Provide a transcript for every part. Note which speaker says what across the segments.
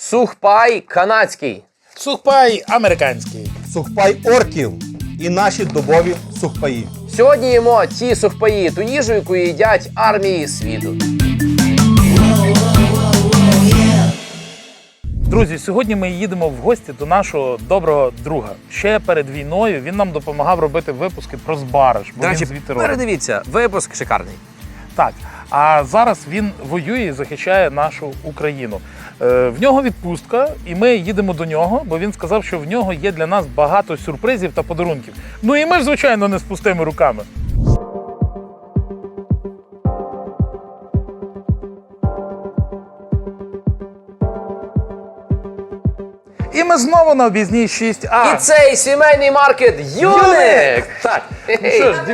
Speaker 1: Сухпай канадський.
Speaker 2: Сухпай американський.
Speaker 3: Сухпай орків і наші добові сухпаї.
Speaker 1: Сьогодні їмо ті сухпаї, ту їжу, яку їдять армії світу.
Speaker 2: Друзі, сьогодні ми їдемо в гості до нашого доброго друга. Ще перед війною він нам допомагав робити випуски про Збараж.
Speaker 1: До речі, передивіться, випуск шикарний.
Speaker 2: Так, а зараз він воює і захищає нашу Україну. В нього відпустка, і ми їдемо до нього, бо він сказав, що в нього є для нас багато сюрпризів та подарунків. Ну і ми ж, звичайно, не з пустими руками. І ми знову на об'їзній 6А.
Speaker 1: І цей сімейний маркет Юник! Так.
Speaker 2: Ну що ж,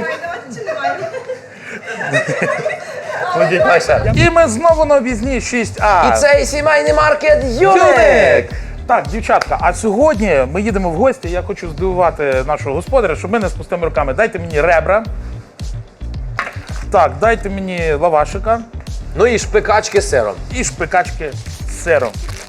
Speaker 2: і ми знову на об'їзній 6А.
Speaker 1: І цей сімейний маркет Юник!
Speaker 2: Так, дівчатка, а сьогодні ми їдемо в гості, я хочу здивувати нашого господаря, щоб ми не з пустими руками. Дайте мені ребра. Так, дайте мені лавашика
Speaker 1: Ну і шпикачки з сиром.
Speaker 2: і шпикачки з сиром.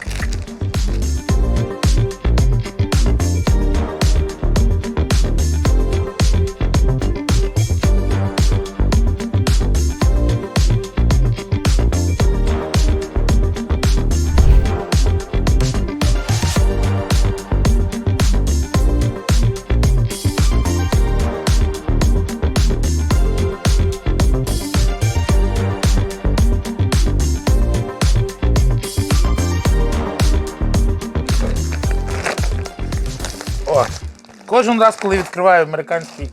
Speaker 2: О, кожен раз, коли відкриваю американський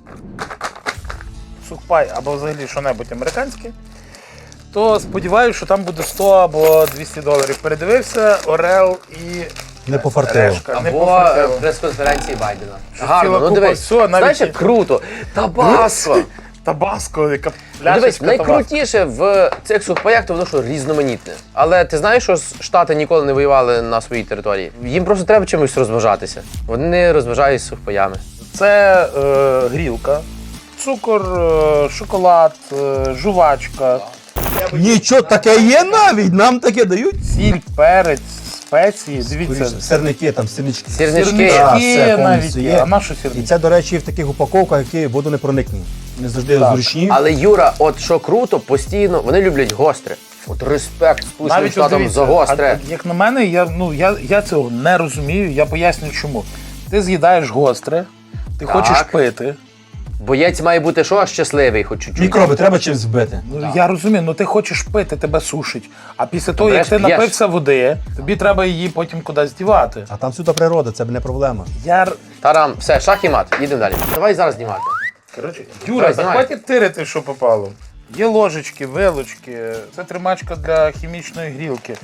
Speaker 2: сухпай або взагалі що-небудь американське, то сподіваюся, що там буде 100 або 200 доларів. Передивився, Орел і
Speaker 3: Не пофартило.
Speaker 2: решка. Не
Speaker 1: Або
Speaker 2: пофартило.
Speaker 1: прес-конференції Байдена.
Speaker 2: Що
Speaker 1: Гарно,
Speaker 2: ціла
Speaker 1: ну
Speaker 2: купа
Speaker 1: дивись.
Speaker 2: всього, навіть
Speaker 1: Знаєш,
Speaker 2: і-
Speaker 1: як круто. Табаско.
Speaker 2: Табаско, яка
Speaker 1: Ну, дивись,
Speaker 2: пляшечка табаско.
Speaker 1: найкрутіше в цих сухпаях, то воно що різноманітне. Але ти знаєш, що Штати ніколи не воювали на своїй території? Їм просто треба чимось розважатися. Вони не розважаються сухпаями.
Speaker 2: Це грілка, цукор, шоколад, жувачка,
Speaker 3: Нічого таке є навіть, нам таке дають.
Speaker 2: сіль, перець, спеції. Дивіться,
Speaker 3: Сирники, там сирнички.
Speaker 1: Сірнички.
Speaker 3: Так,
Speaker 2: сірнички
Speaker 3: все
Speaker 2: навіть
Speaker 3: повністю
Speaker 2: є.
Speaker 3: є.
Speaker 2: А на що
Speaker 3: І
Speaker 2: сірнички?
Speaker 3: це, до речі, в таких упаковках, які водонепроникні. Не завжди
Speaker 2: Так.
Speaker 3: зручні.
Speaker 1: Але Юра, от що круто, постійно, вони люблять гостре. От респект Сполученим
Speaker 2: Навіть
Speaker 1: Штатам
Speaker 2: дивіться,
Speaker 1: за гостре.
Speaker 2: як на мене, я цього не розумію, я поясню чому. Ти з'їдаєш гостре, ти хочеш пити.
Speaker 1: Боєць має бути що? Щасливий, хоч чуть-чуть.
Speaker 3: Мікроби треба чимось вбити.
Speaker 2: Ну, я розумію, ну ти хочеш пити, тебе сушить. А після того, як
Speaker 1: береш,
Speaker 2: ти
Speaker 1: п'єш.
Speaker 2: напився води, тобі треба її потім кудись дівати.
Speaker 3: А там всюди природа, це б не проблема.
Speaker 1: Тарам, все, шах і мат, їдемо далі. Давай зараз знімати.
Speaker 2: Коротше, Юра,
Speaker 1: Давай,
Speaker 2: та
Speaker 1: знімай.
Speaker 2: хватить тирити, що попало. Є ложечки, вилочки, це тримачка для хімічної грілки,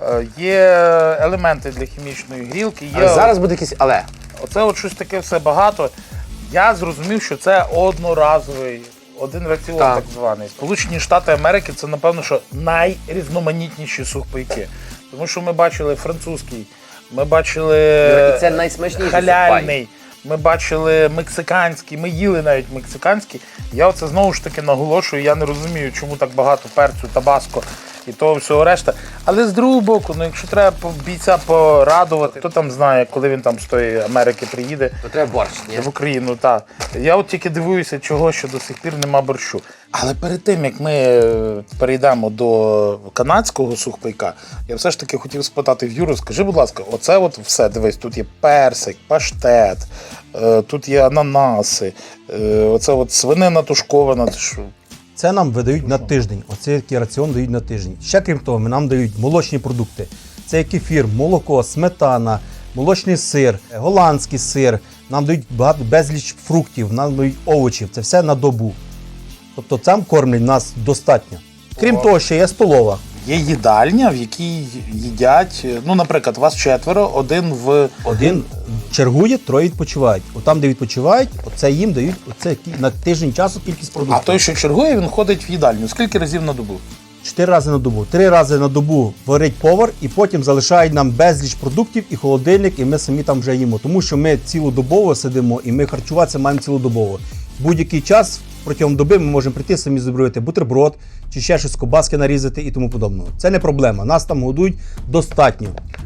Speaker 2: є елементи для хімічної грілки, є
Speaker 1: Але зараз буде якийсь але.
Speaker 2: оце от щось таке все багато. Я зрозумів, що це одноразовий, один раціон
Speaker 1: Так.
Speaker 2: так званий. Сполучені Штати Америки це, напевно, що найрізноманітніші сухпайки. Тому що ми бачили французький, ми бачили
Speaker 1: І це найсмачніший
Speaker 2: халяльний, ми бачили мексиканський, ми їли навіть мексиканський. Я оце знову ж таки наголошую, я не розумію, чому так багато перцю, табаско і того всього решта. Але з другого боку, ну якщо треба бійця порадувати, хто там знає, коли він там з тої Америки приїде
Speaker 1: То треба борщ, ні?
Speaker 2: в Україну, так. Я от тільки дивуюся, чого що до сих пір нема борщу. Але перед тим, як ми перейдемо до канадського сухпайка, я все ж таки хотів спитати в Юру, скажи, будь ласка, оце от все, дивись, тут є персик, паштет, тут є ананаси, оце от свинина тушкована. Це що?
Speaker 3: Це нам видають на тиждень. Оцей такий раціон дають на тиждень. Ще крім того, нам дають молочні продукти. Це є кефір, молоко, сметана, молочний сир, голландський сир. Нам дають безліч фруктів, нам дають овочів. Це все на добу. Тобто там кормлять нас достатньо. Крім того, ще є столова.
Speaker 2: Є їдальня, в якій їдять, ну, наприклад, вас 4, один в...
Speaker 3: Один чергує, троє відпочивають. Отам, де відпочивають, оце їм дають оце на тиждень часу кількість
Speaker 2: А
Speaker 3: продуктів.
Speaker 2: той, що чергує, він ходить в їдальню. Скільки разів на добу?
Speaker 3: 4 рази на добу. 3 рази на добу варить повар і потім залишають нам безліч продуктів і холодильник, і ми самі там вже їмо. Тому що ми цілодобово сидимо і ми харчуватися маємо цілодобово. Будь-який час протягом доби ми можемо прийти самі зробити бутерброд чи ще щось, кобаски нарізати і тому подобного. Це не проблема. Нас там годують достатньо.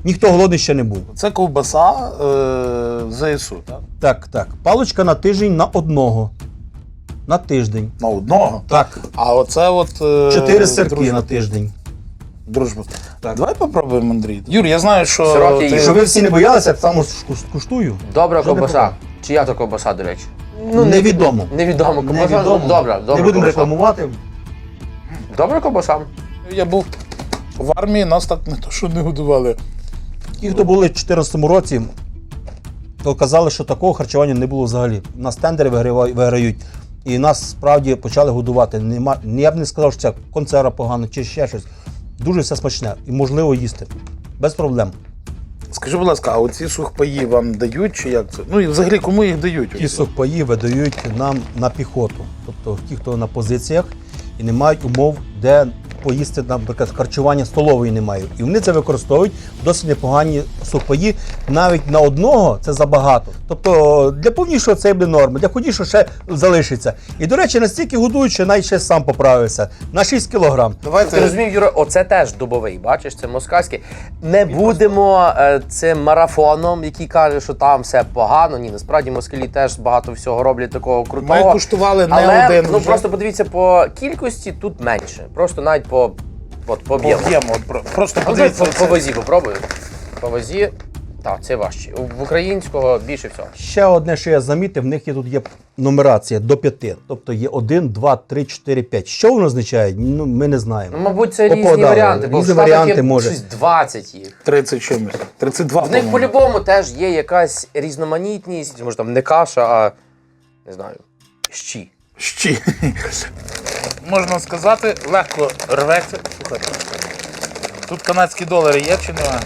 Speaker 3: Ніхто голодний ще не був.
Speaker 2: Це ковбаса ЗСУ, так?
Speaker 3: Так. Паличка на тиждень на одного. На тиждень.
Speaker 2: На одного?
Speaker 3: Так.
Speaker 2: А оце от...
Speaker 3: 4 сирки
Speaker 2: дружба.
Speaker 3: на тиждень.
Speaker 2: Дружба. Так. Давай попробуємо, Андрій. Юр, я знаю, що...
Speaker 1: Сироки
Speaker 2: ти-
Speaker 1: їж.
Speaker 3: Щоб ви всі не боялися, я сам скуштую.
Speaker 1: Добра
Speaker 3: Що не
Speaker 1: ковбаса.
Speaker 3: попав?
Speaker 1: Чия то ковбаса, до речі?
Speaker 3: Невідомо.
Speaker 1: Невідомо ковбаса.
Speaker 3: Невідомо.
Speaker 1: Ну, добра
Speaker 3: Не будемо
Speaker 1: ковбаса.
Speaker 3: рекламувати.
Speaker 1: Добра ковбаса.
Speaker 2: Я був в армії, нас так не то, що не годували.
Speaker 3: Ті, хто були в 2014 році, то казали, що такого харчування не було взагалі. У нас тендери виграють, і нас справді почали годувати. Я б не сказав, що це консерва погано чи ще щось. Дуже все смачне і можливо їсти. Без проблем.
Speaker 2: Скажи, будь ласка, а оці сухпаї вам дають чи як це? Ну і взагалі кому їх дають?
Speaker 3: Ті сухпаї видають нам на піхоту. Тобто ті, хто на позиціях і не мають умов, де поїсти, наприклад, харчування столової не мають. І вони це використовують досить непогані сухпаї. Навіть на одного це забагато. Тобто для повнішого це буде норма, для худішого ще залишиться. І, до речі, настільки годують, що навіть ще сам поправився. На 6 кілограм.
Speaker 1: Ти
Speaker 2: Давайте.
Speaker 1: розумів, Юра, оце теж дубовий, бачиш, це москальський. Не будемо цим марафоном, який каже, що там все погано. Ні, насправді москалі теж багато всього роблять такого крутого.
Speaker 2: Ми куштували не
Speaker 1: Але,
Speaker 2: один
Speaker 1: ну
Speaker 2: вже.
Speaker 1: просто подивіться по кількості, тут менше. Просто навіть по об'єму.
Speaker 2: Об'ємо. Просто
Speaker 1: А
Speaker 2: подивіться.
Speaker 1: по вазі попробую. По вазі, так, це важче. В українського більше всього.
Speaker 3: Ще одне, що я замітив, в них тут є нумерація до 5. Тобто є 1, 2, 3, 4, 5. Що воно означає? Ну, ми не знаємо.
Speaker 1: Ну, мабуть, це різні
Speaker 3: Попадали.
Speaker 1: варіанти, бо в
Speaker 3: Різні
Speaker 1: Штатах
Speaker 3: варіанти
Speaker 1: є
Speaker 3: може.
Speaker 1: щось 20 їх.
Speaker 2: 30 чимось. 32,
Speaker 1: В них
Speaker 2: по-моєму.
Speaker 1: по-любому теж є якась різноманітність, може там не каша, а не знаю, щі.
Speaker 2: Щі. Можна сказати, легко рветься. Слухайте. Тут канадські долари є чи немає?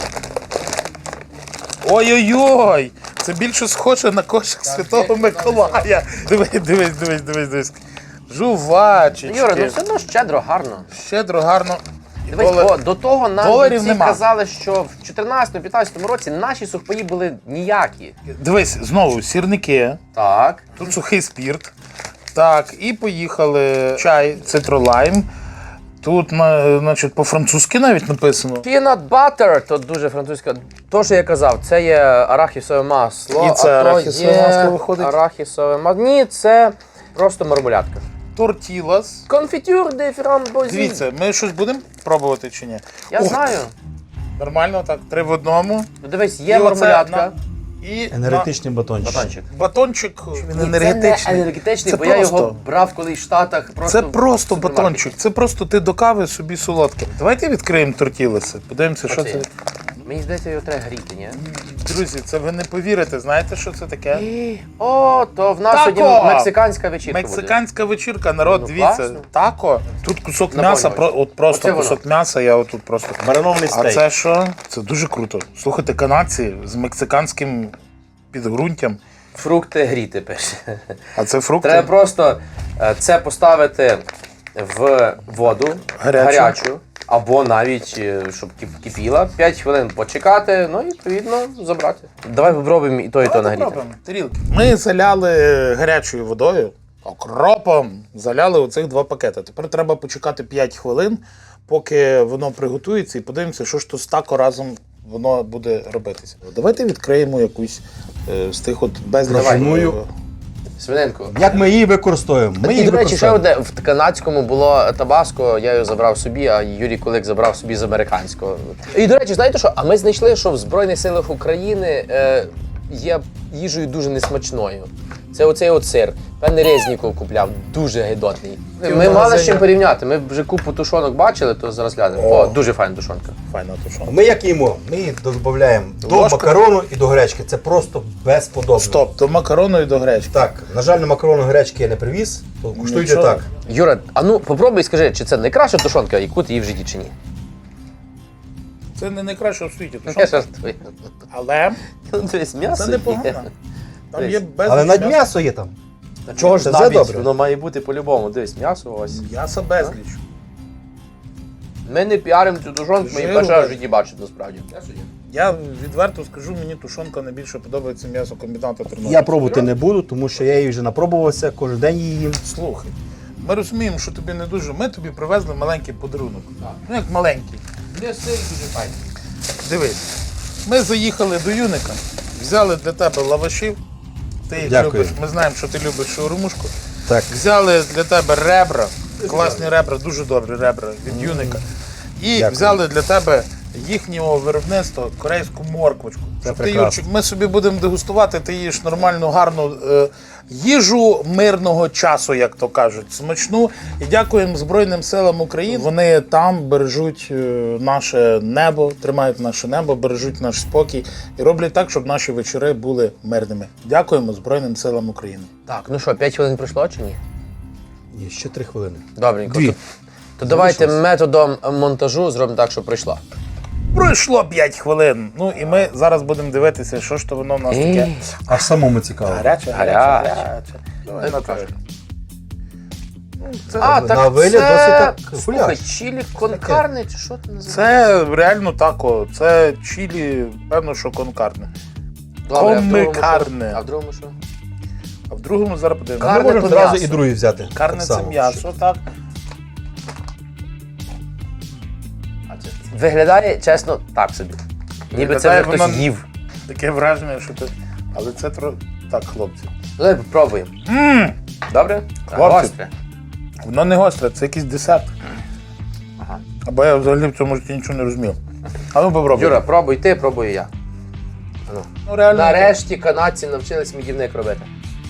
Speaker 2: Ой-ой-ой! Це більше схоже на кошик Святого Миколая. Дивись. Жувачечки.
Speaker 1: Юра, ну все одно щедро, гарно.
Speaker 2: Щедро, гарно. І
Speaker 1: Дивись,
Speaker 2: долар-
Speaker 1: бо до того нам
Speaker 2: доларів
Speaker 1: всі
Speaker 2: нема.
Speaker 1: казали, що в 14-15 році наші сухпаї були ніякі.
Speaker 2: Дивись, знову сірники.
Speaker 1: Так.
Speaker 2: Тут сухий спірт. Так, і поїхали. Чай, цитролайм. Тут, значить, по-французьки навіть написано.
Speaker 1: Peanut butter, то дуже французьке. То, що я казав, це є арахісове масло.
Speaker 2: І це
Speaker 1: а то
Speaker 2: арахісове
Speaker 1: є
Speaker 2: масло виходить?
Speaker 1: Арахісове масло. Ні, це просто мармулятка.
Speaker 2: Тортілас.
Speaker 1: Конфітюр де фрамбозі.
Speaker 2: Дивіться, ми щось будемо пробувати чи ні?
Speaker 1: Я
Speaker 2: Ух,
Speaker 1: знаю.
Speaker 2: Нормально, так, 3 в одному.
Speaker 1: Ну дивись, є
Speaker 2: І оце
Speaker 1: мармулятка.
Speaker 2: І
Speaker 3: Енергетичний батончик.
Speaker 1: Батончик.
Speaker 2: батончик, він
Speaker 1: Ні,
Speaker 2: енергетичний.
Speaker 1: Це не енергетичний,
Speaker 2: Це
Speaker 1: бо я його
Speaker 2: просто.
Speaker 1: брав колись в Штатах. Просто
Speaker 2: Це просто
Speaker 1: в супермаркеті.
Speaker 2: батончик, це просто ти до кави собі солодке. Давайте відкриємо тортілеси, подивимося, що
Speaker 1: Оце.
Speaker 2: це.
Speaker 1: Мені здається, його треба гріти, ні?
Speaker 2: Друзі, це ви не повірите, знаєте, що це таке?
Speaker 1: О, то в нас
Speaker 2: Тако!
Speaker 1: сьогодні мексиканська вечірка
Speaker 2: Мексиканська вечірка, народ,
Speaker 1: Ну,
Speaker 2: дивіться,
Speaker 1: класно.
Speaker 2: тако. Тут кусок
Speaker 1: На
Speaker 2: м'яса,
Speaker 1: полі.
Speaker 2: от просто
Speaker 1: Оце воно.
Speaker 2: кусок м'яса, я отут просто.
Speaker 3: Маринований
Speaker 2: А
Speaker 3: стейк.
Speaker 2: це що? Це дуже круто. Слухайте, канадці з мексиканським підґрунтям.
Speaker 1: буде. Фрукти гріти пише.
Speaker 2: А це фрукти?
Speaker 1: Треба просто це поставити в воду
Speaker 2: Гарячу.
Speaker 1: або навіть, щоб кипіла, 5 хвилин почекати, ну і відповідно забрати. Давай попробуємо і то
Speaker 2: Давайте
Speaker 1: нагріти.
Speaker 2: пробуємо. Тарілки. Ми заляли гарячою водою, окропом, заляли оцих 2 пакети. Тепер треба почекати 5 хвилин, поки воно приготується, і подивимося, що ж то з тако разом воно буде робитися. Давайте відкриємо якусь з тих от безліч.
Speaker 3: Пропоную.
Speaker 1: Свининку.
Speaker 3: Як ми її використовуємо? Ми
Speaker 1: І,
Speaker 3: її
Speaker 1: до речі, ще
Speaker 3: використовуємо.
Speaker 1: одне, в канадському було табаско, я його забрав собі, а Юрій Кулик забрав собі з американського. І, до речі, знаєте що? А ми знайшли, що в Збройних силах України є їжею дуже несмачною. Це оцей от сир. Певне Резніков купляв, дуже гидотний. Ми мали з чим порівняти. Ми вже купу тушонок бачили, то зараз глянемо. О, дуже файна тушонка.
Speaker 2: Файно тушонка.
Speaker 3: Ми як їмо? Ми її додаємо до
Speaker 2: Ложку?
Speaker 3: макарону і до гречки. Це просто безподобно.
Speaker 2: Стоп, до макарону і до гречки.
Speaker 3: Так, на жаль, на макарону гречки я не привіз, то куштуйте
Speaker 2: Нічого.
Speaker 3: так.
Speaker 1: Юра, а ну попробуй скажи, чи це найкраща тушонка, яку ти їв в житті, чи ні?
Speaker 2: Це не найкраще в світі
Speaker 1: Я
Speaker 2: тушонка.
Speaker 1: жартую.
Speaker 2: Але
Speaker 1: Ну, дивись, м'ясо
Speaker 2: це
Speaker 1: є.
Speaker 2: непогано. Там є
Speaker 1: Дивись.
Speaker 2: безліч
Speaker 3: Але навіть
Speaker 2: м'яса.
Speaker 3: м'ясо є там.
Speaker 1: Та чого ж
Speaker 3: Це все
Speaker 1: навіть?
Speaker 3: добре.
Speaker 1: Воно має бути по-любому. Дивись, м'ясо ось.
Speaker 2: М'яса безліч.
Speaker 1: Ми не піаримо цю тушонку, ми її
Speaker 2: Жиру
Speaker 1: перший раз в
Speaker 2: бачиш.
Speaker 1: житті бачимо насправді.
Speaker 2: Я відверто скажу, мені тушонка найбільше подобається м'ясокомбіната Тернопіль.
Speaker 3: Я пробувати не буду, тому що я її вже напробувався, кожен день її їм.
Speaker 2: Слухай, ми розуміємо, що тобі не дуже. Ми тобі привезли маленький подарунок. Ну як маленький.
Speaker 1: Не сильно дуже файно.
Speaker 2: Дивись, ми заїхали до Юника, взяли для тебе лавашів. Ти їх
Speaker 3: Дякую.
Speaker 2: любиш, ми знаємо, що ти любиш шаурмушку.
Speaker 3: Так.
Speaker 2: Взяли для тебе ребра, класні ребра, дуже добрі ребра від Юника. І
Speaker 3: Дякую.
Speaker 2: взяли для тебе їхнього виробництва корейську морквочку. Щоб ти,
Speaker 3: прекрасно.
Speaker 2: Юрчик, ми собі будемо дегустувати, ти їш нормальну, гарну їжу мирного часу, як то кажуть, смачну. І дякуємо Збройним силам України. Вони там бережуть наше небо, тримають наше небо, бережуть наш спокій і роблять так, щоб наші вечори були мирними. Дякуємо Збройним силам України.
Speaker 1: Так, ну що, 5 хвилин пройшло чи ні?
Speaker 3: Ні, ще 3 хвилини.
Speaker 1: Добренько.
Speaker 3: 2.
Speaker 1: То давайте методом монтажу зробимо так, щоб пройшло.
Speaker 2: Пройшло 5 хвилин. Ну і ми зараз будемо дивитися, що ж то воно в нас таке.
Speaker 3: Аж самому цікаво.
Speaker 2: Гаряче,
Speaker 1: Гаряче.
Speaker 2: гаряче. Давай, Наталя.
Speaker 1: А, так
Speaker 3: на вигляд
Speaker 1: це...
Speaker 3: досить так
Speaker 1: Слухай,
Speaker 3: гуляш.
Speaker 1: чилі конкарне, чи що ти називаєш?
Speaker 2: Це реально тако. Це чилі, певно, що конкарне.
Speaker 1: Добре, а в другому
Speaker 2: комикарне.
Speaker 1: що? А в другому що?
Speaker 2: А в другому зараз подивимося.
Speaker 3: Ми
Speaker 1: Карне
Speaker 3: можемо
Speaker 1: то
Speaker 3: одразу
Speaker 1: м'ясо.
Speaker 3: і другий взяти.
Speaker 2: Карне
Speaker 3: Так
Speaker 2: це
Speaker 3: само.
Speaker 2: м'ясо, так.
Speaker 1: Виглядає, чесно, так собі. Ніби це
Speaker 2: Виглядає
Speaker 1: вже хтось
Speaker 2: воно-
Speaker 1: їв.
Speaker 2: Таке враження, що ти. Але це так, хлопці.
Speaker 1: Давай попробуємо. Добре?
Speaker 2: Хлопці.
Speaker 1: Гостре.
Speaker 2: Воно не гостре, це якийсь десерт.
Speaker 1: Ага.
Speaker 2: Або я взагалі в цьому житті нічого не розумів. А ну попробуй.
Speaker 1: Юра, пробуй ти, пробую я. Ну.
Speaker 2: Ну реально.
Speaker 1: Нарешті канадці навчились медівник робити.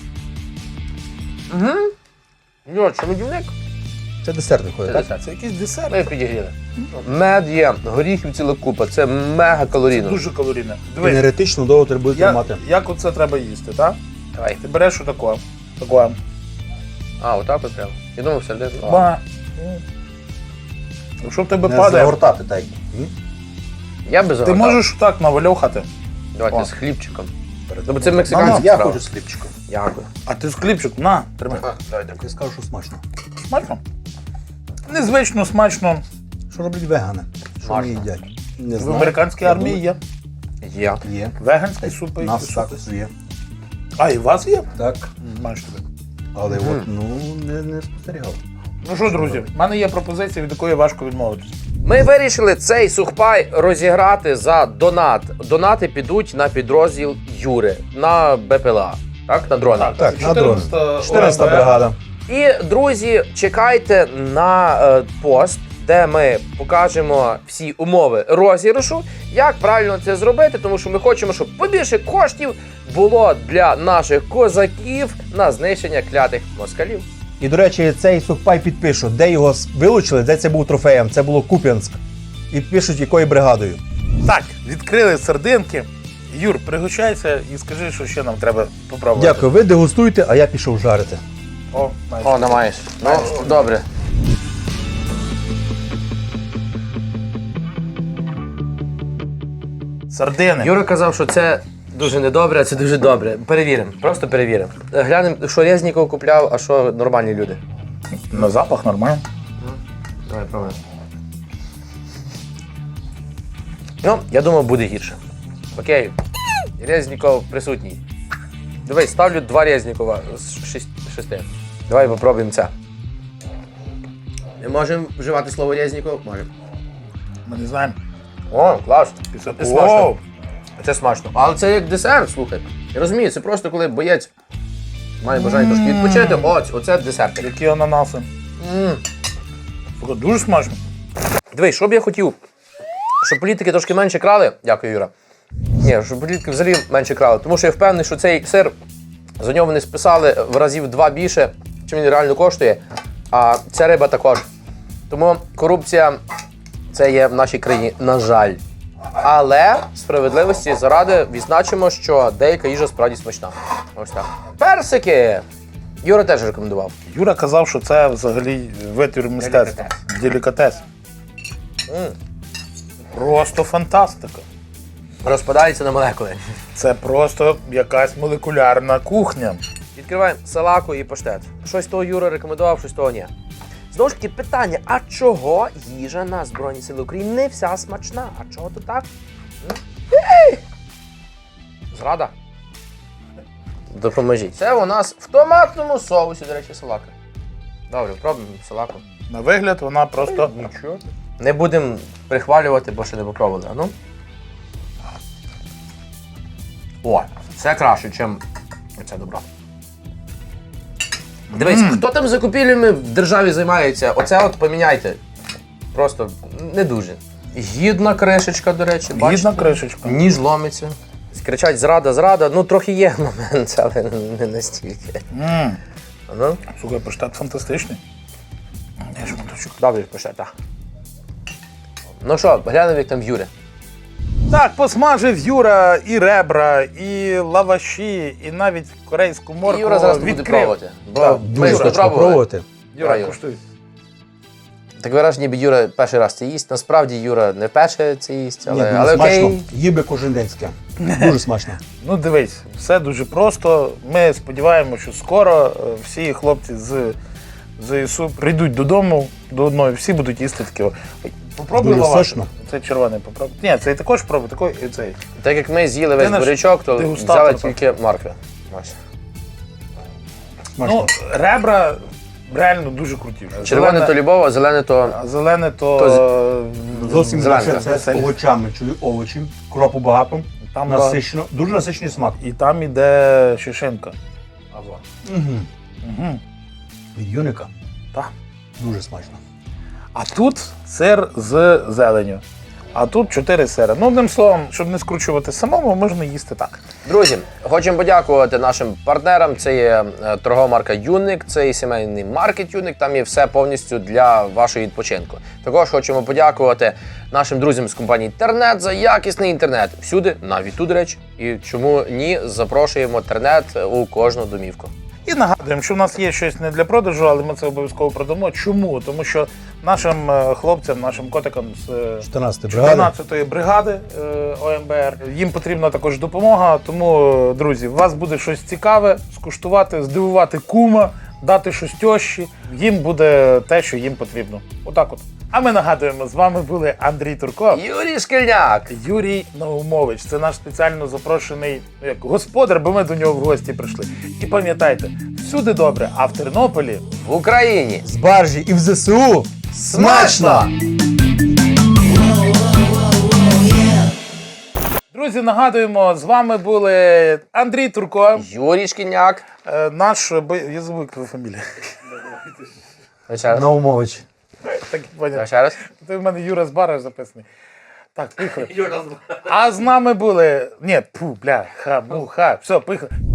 Speaker 1: Угу. Юра, що медівник?
Speaker 3: Це десерт виходить, так?
Speaker 2: Це якийсь десерт.
Speaker 1: Ми підігріли. Мед є, горіхів ціла купа, це мега калорійно.
Speaker 2: Дуже калорійне. Дивись,
Speaker 3: Енергетично довго треба буде тримати.
Speaker 2: як оце треба їсти, так?
Speaker 1: Давай.
Speaker 2: Ти береш отако. Тако.
Speaker 1: А, отак от прямо. Я думав, всередину. А.
Speaker 2: Ба. Якщо в тебе
Speaker 3: Не
Speaker 2: падає,
Speaker 3: загортати так. Ні?
Speaker 1: Я без
Speaker 2: ти
Speaker 1: огорта.
Speaker 2: можеш так навальохати.
Speaker 1: Давайте
Speaker 2: О.
Speaker 1: з хлібчиком. Ну, бо це мексиканська
Speaker 3: Я
Speaker 1: справа.
Speaker 3: хочу з хлібчиком.
Speaker 1: Дякую.
Speaker 2: А ти з хлібчик, на, тримай.
Speaker 3: Я скажу, що смачно.
Speaker 2: Смачно? Незвично смачно.
Speaker 3: Що роблять вегани? Що вони
Speaker 1: Смачно.
Speaker 3: їдять? Не
Speaker 2: В
Speaker 3: знаю.
Speaker 2: американській
Speaker 3: Я
Speaker 2: армії є.
Speaker 1: Є.
Speaker 3: думаю, Є.
Speaker 2: Веганські супи.
Speaker 3: Нас
Speaker 2: і
Speaker 3: також
Speaker 2: супи.
Speaker 3: є.
Speaker 2: А, і у вас є?
Speaker 3: Так.
Speaker 2: Маєш тобі.
Speaker 3: Але от, ну, не спостерігав.
Speaker 2: Ну що, друзі, в мене є пропозиція, від якої важко відмовитися.
Speaker 1: Ми вирішили цей сухпай розіграти за донат. Донати підуть на підрозділ Юри, на БПЛА. Так, на дрона.
Speaker 3: Так, на дрон. 14-та
Speaker 2: ОМБ.
Speaker 3: бригада.
Speaker 1: І, друзі, чекайте на пост, де ми покажемо всі умови розіграшу, як правильно це зробити, тому що ми хочемо, щоб побільше коштів було для наших козаків на знищення клятих москалів.
Speaker 3: І, до речі, цей сухпай підпишу, де його вилучили, де це був трофеєм. Це було Куп'янськ. І пишуть, якою бригадою.
Speaker 2: Так, відкрили сердинки. Юр, пригощайся і скажи, що ще нам треба попробувати.
Speaker 3: Дякую, ви дегустуйте, а я пішов жарити.
Speaker 2: О, знаєш.
Speaker 1: О, намаєш. Ну, добре.
Speaker 2: Сардини.
Speaker 1: Юра казав, що це дуже недобре, а це дуже добре. Перевіримо, просто перевіримо. Глянемо, що Резніков купляв, а що нормальні люди.
Speaker 2: На запах нормально.
Speaker 1: Давай пробуємо. Ну, я думав, буде гірше. Окей. Резніков присутній. Дивись, ставлю 2 Резнікова з 6. Давай попробуємо це. Ми можемо вживати слово Резніков? Можемо.
Speaker 2: Ми не знаємо.
Speaker 1: О, клас.
Speaker 2: Після
Speaker 1: Це смачно. Це смачно. Але це як десерт, слухай. Я розумію, це просто коли боєць має бажання трошки відпочити. Оце десерт.
Speaker 2: Які ананаси. Слухай, дуже смачно.
Speaker 1: Дивись, що б я хотів, щоб політики трошки менше крали. Дякую, Юра. Ні, щоб політики взагалі менше крали. Тому що я впевнений, що цей сир, за нього вони списали в разів 2 більше, чим він реально коштує. А ця риба також. Тому корупція це є в нашій країні, на жаль. Але справедливості заради відзначимо, що деяка їжа справді смачна. Ось так. Персики! Юра теж рекомендував.
Speaker 2: Юра казав, що це взагалі витвір мистецтва. Делікатес. Просто фантастика.
Speaker 1: Розпадається на молекули.
Speaker 2: Це просто якась молекулярна кухня.
Speaker 1: Відкриваємо салаку і паштет. Щось того Юра рекомендував, щось того ні. Знову ж таки, питання, а чого їжа на Збройні Сили України не вся смачна? А чого то так? Зрада? Допоможіть. Це у нас в томатному соусі, до речі, салака. Добре, пробуємо салаку.
Speaker 2: На вигляд вона просто.
Speaker 1: Нічого. Не будемо прихвалювати, бо ще не попробували. А ну? О, це краще, ніж оце добро. Дивись, хто там закупівлями в державі займається, оце от поміняйте. Просто не дуже. Гідна кришечка, до речі, бачите?
Speaker 2: Гідна кришечка.
Speaker 1: Ніж ломиться. Кричать зрада, зрада. Ну, трохи є момент, але не настільки. Ну,
Speaker 2: Слухай, паштет фантастичний. Я шматочок.
Speaker 1: добре, пише, так. Ну що, глянемо, як там в Юри.
Speaker 2: Так, посмажив Юра і ребра, і лаваші, і навіть корейську моркву.
Speaker 1: Юра зараз буде
Speaker 2: відкрив.
Speaker 1: пробувати. Бо
Speaker 2: Так,
Speaker 1: ми
Speaker 3: Дуже
Speaker 1: ж
Speaker 3: хочу
Speaker 1: пробували.
Speaker 3: попробувати.
Speaker 2: Юра,
Speaker 1: Юра.
Speaker 2: куштуй.
Speaker 1: Так вираж, ніби Юра перший раз це їсть. Насправді Юра не перше це їсть,
Speaker 3: Ні,
Speaker 1: але,
Speaker 3: дуже
Speaker 1: але
Speaker 3: смачно.
Speaker 1: окей.
Speaker 3: Їв би кожен день таке. Дуже смачно.
Speaker 2: Ну дивись, все дуже просто. Ми сподіваємося, що скоро всі хлопці з ЗСУ прийдуть додому до одної, всі будуть їсти таке. Попробуй
Speaker 3: Дуже
Speaker 2: лаваш.
Speaker 3: сочно.
Speaker 2: Цей червоний попробуй. Ні, цей також пробуй, такий і цей.
Speaker 1: Так як ми з'їли весь
Speaker 2: Ти наш
Speaker 1: бурячок, то
Speaker 2: дегустатор,
Speaker 1: взяли тільки моркви. Ось.
Speaker 3: Смачно.
Speaker 2: Ну, ребра реально дуже круті.
Speaker 1: Червоне то любов, а зелене то.
Speaker 2: А зелене то.
Speaker 3: Зовсім
Speaker 1: зелене.
Speaker 3: інакше. Це з овочами, чую овочі, кропу багато,
Speaker 2: Там
Speaker 3: насичено, дуже насичений смак.
Speaker 2: І там іде шишинка.
Speaker 3: Угу. Від юника
Speaker 2: Так.
Speaker 3: дуже смачно.
Speaker 2: А тут сир з зеленю. А тут 4 сири. Ну, одним словом, щоб не скручувати самому, можна їсти так.
Speaker 1: Друзі, хочемо подякувати нашим партнерам. Це є торгова марка Юник, це і сімейний маркет Юник. Там є все повністю для вашого відпочинку. Також хочемо подякувати нашим друзям з компанії Тернет за якісний інтернет. Всюди, навіть тут, до речі. І чому ні, запрошуємо Тернет у кожну домівку.
Speaker 2: І нагадуємо, що в нас є щось не для продажу, але ми це обов'язково продамо. Чому? Тому що нашим хлопцям, нашим котикам з
Speaker 3: 14-ї бригади.
Speaker 2: 14-ї бригади ОМБР, їм потрібна також допомога. Тому, друзі, у вас буде щось цікаве, скуштувати, здивувати кума, дати щось тьощі. Їм буде те, що їм потрібно. Отак от. А ми нагадуємо, з вами були Андрій Турко.
Speaker 1: Юрій Шкільняк!
Speaker 2: Юрій Наумович, це наш спеціально запрошений господар, бо ми до нього в гості прийшли. І пам'ятайте, всюди добре, а в Тернополі
Speaker 1: В Україні!
Speaker 3: З баржі і в ЗСУ смачно!
Speaker 2: друзі, нагадуємо, з вами були Андрій Турко,
Speaker 1: Юрій Шкільняк.
Speaker 2: наш я забув, як твоя фамілія.
Speaker 1: Ще раз.
Speaker 3: Наумович.
Speaker 2: Так, понятно.
Speaker 1: Ще раз.
Speaker 2: Ти в мене Юра Збара записаний. Так, поїхали. А з нами були. Ні, пу, бля, ха, му, ха. Все, поїхали.